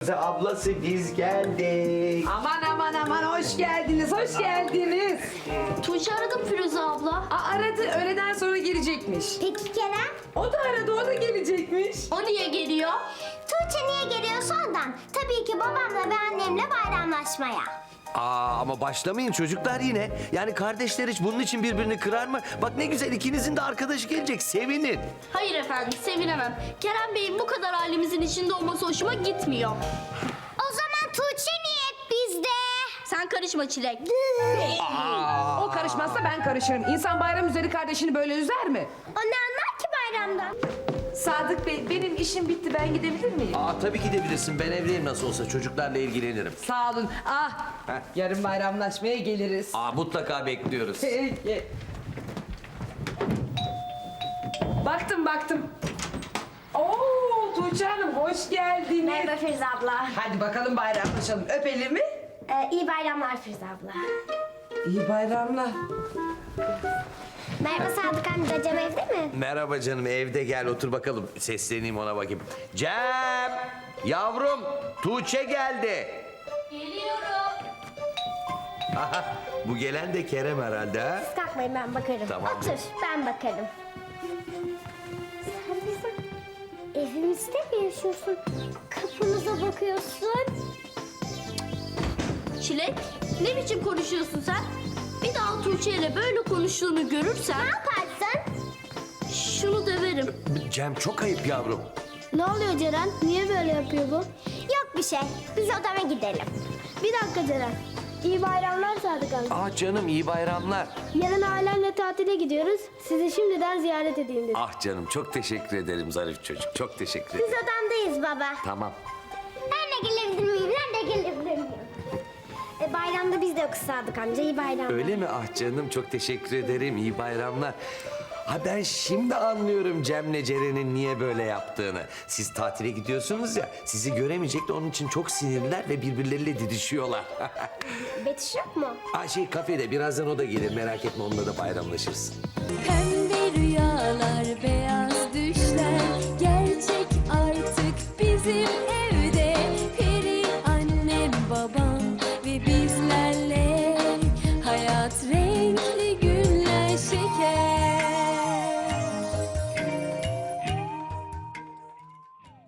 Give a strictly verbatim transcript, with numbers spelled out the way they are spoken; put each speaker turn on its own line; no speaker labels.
Firuze ablası biz geldik.
Aman aman aman hoş geldiniz, hoş geldiniz.
Tuğçe aradım Firuze abla.
Aa, aradı, öğleden sonra gelecekmiş.
Peki Kerem?
O da aradı, o da gelecekmiş.
O niye geliyor?
Tuğçe niye geliyorsa ondan. Tabii ki babamla ve annemle bayramlaşmaya.
Aa, ama başlamayın çocuklar yine. Yani kardeşler hiç bunun için birbirini kırar mı? Bak ne güzel, ikinizin de arkadaşı gelecek, sevinin.
Hayır efendim, sevinemem. Kerem Bey'in bu kadar ailemizin içinde olması hoşuma gitmiyor.
O zaman Tuğçe niye hep bizde?
Sen karışma Çilek.
O karışmazsa ben karışırım. İnsan bayram üzeri kardeşini böyle üzer mi?
O ne anlar ki bayramdan?
Sadık Bey, benim işim bitti, ben gidebilir miyim?
Aa, tabii gidebilirsin, ben evdeyim nasıl olsa, çocuklarla ilgilenirim.
Sağ olun. Ah,
Heh.
yarın bayramlaşmaya geliriz.
Aa, mutlaka bekliyoruz.
Peki. Baktım, baktım. Oo, Tuğçe Hanım hoş geldiniz.
Merhaba Firuze abla.
Hadi bakalım bayramlaşalım. Öpelim mi?
Ee, iyi bayramlar Firuze abla.
İyi bayramlar.
Merhaba Sadık amca, Cem evde mi?
Merhaba canım, evde, gel otur bakalım. Sesleneyim ona bakayım. Cem! Yavrum, Tuğçe geldi.
Geliyorum.
Aha, bu gelen de Kerem herhalde ha?
Siz kalkmayın, ben bakarım.
Tamam.
Otur, ben bakarım. Sen bizim evimizde mi yaşıyorsun? Kapımıza bakıyorsun.
Çilek, ne biçim konuşuyorsun sen? Bir daha Tuğçe ile böyle konuştuğunu görürsem
Ne yaparsın?
şunu döverim.
Cem çok ayıp yavrum.
Ne oluyor Ceren? Niye böyle yapıyor bu? Yok bir şey. Biz odama gidelim. Bir dakika Ceren. İyi bayramlar Sadık amca.
Ah canım, iyi bayramlar.
Yarın ailemle tatile gidiyoruz. Sizi şimdiden ziyaret edeyim dedim.
Ah canım, çok teşekkür ederim zarif çocuk. Çok teşekkür
Biz
ederim.
odamdayız baba.
Tamam.
Ben de gelebilir miyim? Ben de gelebilir miyim? E, bayramda biz de yokuz Sadık amca. İyi bayramlar.
Öyle mi? Ah canım, çok teşekkür ederim. İyi bayramlar. Ha, ben şimdi anlıyorum Cem'le Ceren'in niye böyle yaptığını. Siz tatile gidiyorsunuz ya, sizi göremeyecek de onun için çok sinirliler ve birbirleriyle didişiyorlar.
Betüş yok mu?
Ha, şey kafede, birazdan o da gelir, merak etme, onunla da bayramlaşırsın.
Pembe rüyalar, beyaz düşler gerçek artık bizim evde. Peri annem, babam ve bizler